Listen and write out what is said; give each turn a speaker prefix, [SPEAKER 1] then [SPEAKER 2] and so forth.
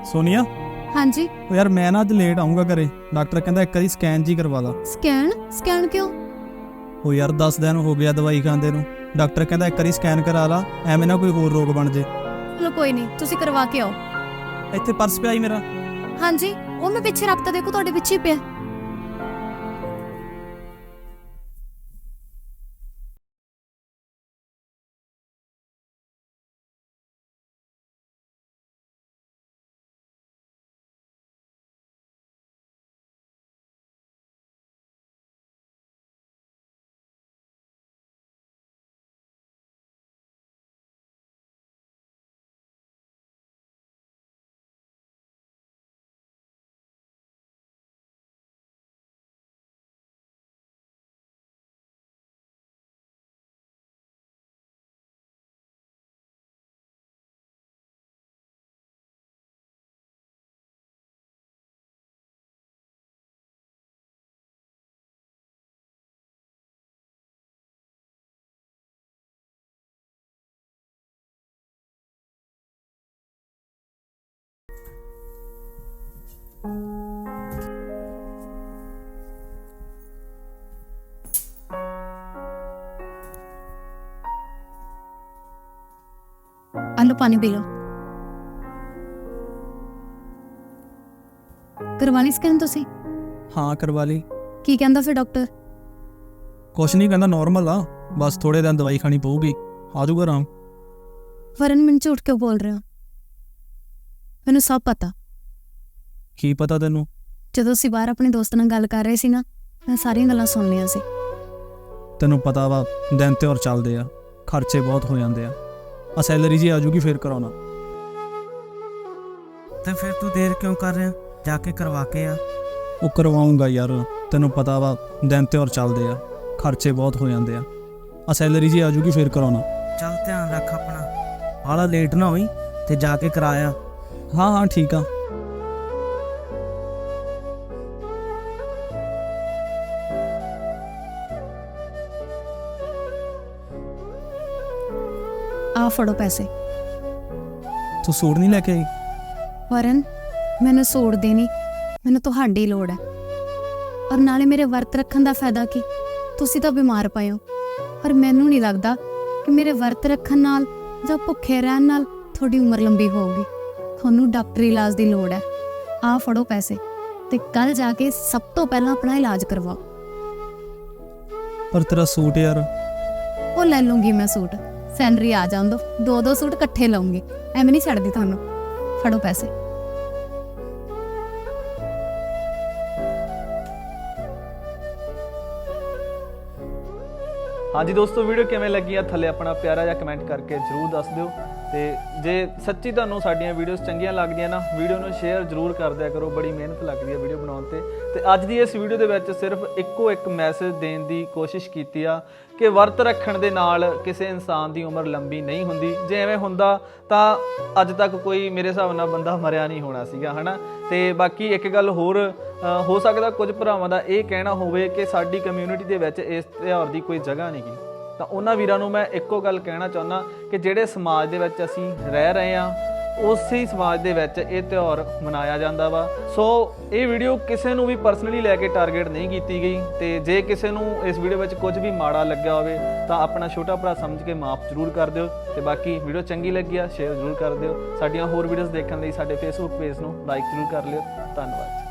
[SPEAKER 1] सोनिया
[SPEAKER 2] हाँ जी।
[SPEAKER 1] ओ यार मैं ना अज लेट आऊँगा घरे। डॉक्टर कहता एक बारी स्कैन जी करवा ला।
[SPEAKER 2] स्कैन स्कैन क्यों?
[SPEAKER 1] ओ यार 10 दिन हो गया दवाई खांदे नूं। डॉक्टर कहता एक बारी स्कैन करा ला, एवें ना कोई होर रोग बन जे।
[SPEAKER 2] चलो कोई नहीं, तुसी करवा के आओ।
[SPEAKER 1] ਇੱਥੇ ਪਰਸ ਪਿਆ ਹੀ ਮੇਰਾ।
[SPEAKER 2] हाँ जी, वो मैं पीछे रखता, देखो ਤੁਹਾਡੇ ਪਿੱਛੇ ਹੀ ਪਿਆ। आलो पानी पी लो। करवा ली स्कैन तुसी?
[SPEAKER 1] ਹਾਂ ਕਰਵਾ ਲਈ।
[SPEAKER 2] की कहंदा फिर डॉक्टर?
[SPEAKER 1] ਕੁਛ ਨਹੀਂ ਕਹਿੰਦਾ ਨਾਰਮਲ ਆ, ਬਸ ਥੋੜੇ ਦਿਨ ਦਵਾਈ ਖਾਣੀ ਪਊਗੀ, ਆ ਜਾਊਗਾ ਆਰਾਮ।
[SPEAKER 2] वरन मैंने झूठ क्यों बोल रहे हो? मैंने सब पता।
[SPEAKER 1] ਕੀ ਪਤਾ ਤੈਨੂੰ?
[SPEAKER 2] ਜਦੋਂ ਅਸੀਂ ਬਾਹਰ ਆਪਣੇ ਦੋਸਤ ਨਾਲ ਗੱਲ ਕਰ ਰਹੇ ਸੀ ਨਾ, ਮੈਂ ਸਾਰੀਆਂ ਗੱਲਾਂ ਸੁਣ ਲਈਆਂ ਸੀ।
[SPEAKER 1] ਤੈਨੂੰ ਪਤਾ ਵਾ ਦਿਨ ਤਿਉਹਾਰ ਚੱਲਦੇ ਆ, ਖਰਚੇ ਬਹੁਤ ਹੋ ਜਾਂਦੇ ਆ। ਆ ਸੈਲਰੀ ਜੀ ਆ ਜੂਗੀ ਫੇਰ ਕਰਾਉਣਾ।
[SPEAKER 3] ਤੇ ਫਿਰ ਤੂੰ ਦੇਰ ਕਿਉਂ ਕਰ ਰਿਹਾ? ਜਾ ਕੇ ਕਰਵਾ ਕੇ ਆ।
[SPEAKER 1] ਉਹ ਕਰਵਾਉਂਗਾ ਯਾਰ, ਤੈਨੂੰ ਪਤਾ ਵਾ ਦਿਨ ਤਿਉਹਾਰ ਚੱਲਦੇ ਆ, ਖਰਚੇ ਬਹੁਤ ਹੋ ਜਾਂਦੇ ਆ। ਆ ਸੈਲਰੀ ਜੀ ਆ ਜੂਗੀ ਫੇਰ ਕਰਾਉਣਾ।
[SPEAKER 3] ਚੱਲ ਧਿਆਨ ਰੱਖ ਆਪਣਾ, ਬਾਹਲਾ ਲੇਟ ਨਾ ਹੋਈ ਤੇ ਜਾ ਕੇ ਕਰਾਇਆ।
[SPEAKER 1] ਹਾਂ ਹਾਂ ਠੀਕ ਆ।
[SPEAKER 2] ਆ ਫੜੋ ਪੈਸੇ।
[SPEAKER 1] ਤੂੰ ਸੂਟ ਨਹੀਂ ਲੈ ਕੇ ਆਈ?
[SPEAKER 2] ਵਰਨ, ਮੈਨੂੰ ਸੂਟ ਦੀ ਨਹੀਂ, ਮੈਨੂੰ ਤੁਹਾਡੀ ਲੋੜ ਹੈ। ਔਰ ਨਾਲੇ ਮੇਰੇ ਵਰਤ ਰੱਖਣ ਦਾ ਫਾਇਦਾ ਕੀ? ਤੁਸੀਂ ਤਾਂ ਬਿਮਾਰ ਪਏ ਹੋ, ਪਰ ਮੈਨੂੰ ਨਹੀਂ ਲੱਗਦਾ ਕਿ ਮੇਰੇ ਵਰਤ ਰੱਖਣ ਨਾਲ ਜਾਂ ਭੁੱਖੇ ਰਹਿਣ ਨਾਲ ਤੁਹਾਡੀ ਉਮਰ ਲੰਬੀ ਹੋਊਗੀ। ਤੁਹਾਨੂੰ ਡਾਕਟਰੀ ਇਲਾਜ ਦੀ ਲੋੜ ਹੈ। ਆ ਫੜੋ ਪੈਸੇ ਤੇ ਕੱਲ ਜਾ ਕੇ ਸਭ ਤੋਂ ਪਹਿਲਾਂ ਆਪਣਾ ਇਲਾਜ ਕਰਵਾਓ।
[SPEAKER 1] ਪਰ ਤੇਰਾ ਸੂਟ ਯਾਰ।
[SPEAKER 2] ਉਹ ਲੈ ਲੂੰਗੀ ਮੈਂ ਸੂਟ, ਸੈਲਰੀ ਆ ਜਾਣ ਦੋ, ਦੋ ਸੂਟ ਇਕੱਠੇ ਲਵਾਂਗੀ, ਐਵੇਂ ਨਹੀਂ ਛੱਡਦੀ ਤੁਹਾਨੂੰ। ਫੜੋ ਪੈਸੇ।
[SPEAKER 4] ਹਾਂਜੀ ਦੋਸਤੋ, ਵੀਡੀਓ ਕਿਵੇਂ ਲੱਗੀ ਆ ਥੱਲੇ ਆਪਣਾ ਪਿਆਰਾ ਜਿਹਾ ਕਮੈਂਟ ਕਰਕੇ ਜਰੂਰ ਦੱਸ ਦਿਓ। ਤੇ ਜੇ ਸੱਚੀ ਤੁਹਾਨੂੰ ਸਾਡੀਆਂ ਵੀਡੀਓਜ਼ ਚੰਗੀਆਂ ਲੱਗਦੀਆਂ ਨਾ, ਵੀਡੀਓ ਨੂੰ ਸ਼ੇਅਰ ਜਰੂਰ ਕਰ ਦਿਆ ਕਰੋ। ਬੜੀ ਮਿਹਨਤ ਲੱਗਦੀ ਹੈ ਵੀਡੀਓ ਬਣਾਉਣ ਤੇ ਅੱਜ ਦੀ ਇਸ ਵੀਡੀਓ ਦੇ ਵਿੱਚ ਸਿਰਫ ਇੱਕੋ ਇੱਕ ਮੈਸੇਜ ਦੇਣ ਦੀ ਕੋਸ਼ਿਸ਼ ਕੀਤੀ ਆ ਕਿ ਵਰਤ ਰੱਖਣ ਦੇ ਨਾਲ ਕਿਸੇ ਇਨਸਾਨ ਦੀ ਉਮਰ ਲੰਬੀ ਨਹੀਂ ਹੁੰਦੀ। ਜੇ ਐਵੇਂ ਹੁੰਦਾ ਤਾਂ ਅੱਜ ਤੱਕ ਕੋਈ ਮੇਰੇ ਹਿਸਾਬ ਨਾਲ ਬੰਦਾ ਮਰਿਆ ਨਹੀਂ ਹੋਣਾ ਸੀਗਾ, ਹੈ ਨਾ। ਤੇ ਬਾਕੀ ਇੱਕ ਗੱਲ ਹੋਰ, ਹੋ ਸਕਦਾ ਕੁਝ ਭਰਾਵਾਂ ਦਾ ਇਹ ਕਹਿਣਾ ਹੋਵੇ ਕਿ ਸਾਡੀ ਕਮਿਊਨਿਟੀ ਦੇ ਵਿੱਚ ਇਸ ਤਿਉਹਾਰ ਦੀ ਕੋਈ ਜਗ੍ਹਾ ਨਹੀਂ ਗੀ, ਤਾਂ ਉਹਨਾਂ ਵੀਰਾਂ ਨੂੰ ਮੈਂ ਇੱਕੋ ਗੱਲ ਕਹਿਣਾ ਚਾਹੁੰਦਾ ਕਿ ਜਿਹੜੇ ਸਮਾਜ ਦੇ ਵਿੱਚ ਅਸੀਂ ਰਹਿ ਰਹੇ ਹਾਂ, ਉਸੇ ਸਮਾਜ ਦੇ ਵਿੱਚ ਇਹ ਤਿਉਹਾਰ ਮਨਾਇਆ ਜਾਂਦਾ ਵਾ। ਸੋ ਇਹ ਵੀਡੀਓ ਕਿਸੇ ਨੂੰ ਵੀ ਪਰਸਨਲੀ ਲੈ ਕੇ ਟਾਰਗੇਟ ਨਹੀਂ ਕੀਤੀ ਗਈ। ਤੇ ਜੇ ਕਿਸੇ ਨੂੰ ਇਸ ਵੀਡੀਓ ਵਿੱਚ ਕੁਝ ਵੀ ਮਾੜਾ ਲੱਗਿਆ ਹੋਵੇ ਤਾਂ ਆਪਣਾ ਛੋਟਾ ਭਰਾ ਸਮਝ ਕੇ ਮਾਫ ਜ਼ਰੂਰ ਕਰ ਦਿਓ। ਤੇ ਬਾਕੀ ਵੀਡੀਓ ਚੰਗੀ ਲੱਗੀ ਆ ਸ਼ੇਅਰ ਜ਼ਰੂਰ ਕਰ ਦਿਓ। ਸਾਡੀਆਂ ਹੋਰ ਵੀਡੀਓਜ਼ ਦੇਖਣ ਲਈ ਸਾਡੇ ਫੇਸਬੁੱਕ ਪੇਜ ਨੂੰ ਲਾਈਕ ਜ਼ਰੂਰ ਕਰ ਲਿਓ। ਧੰਨਵਾਦ।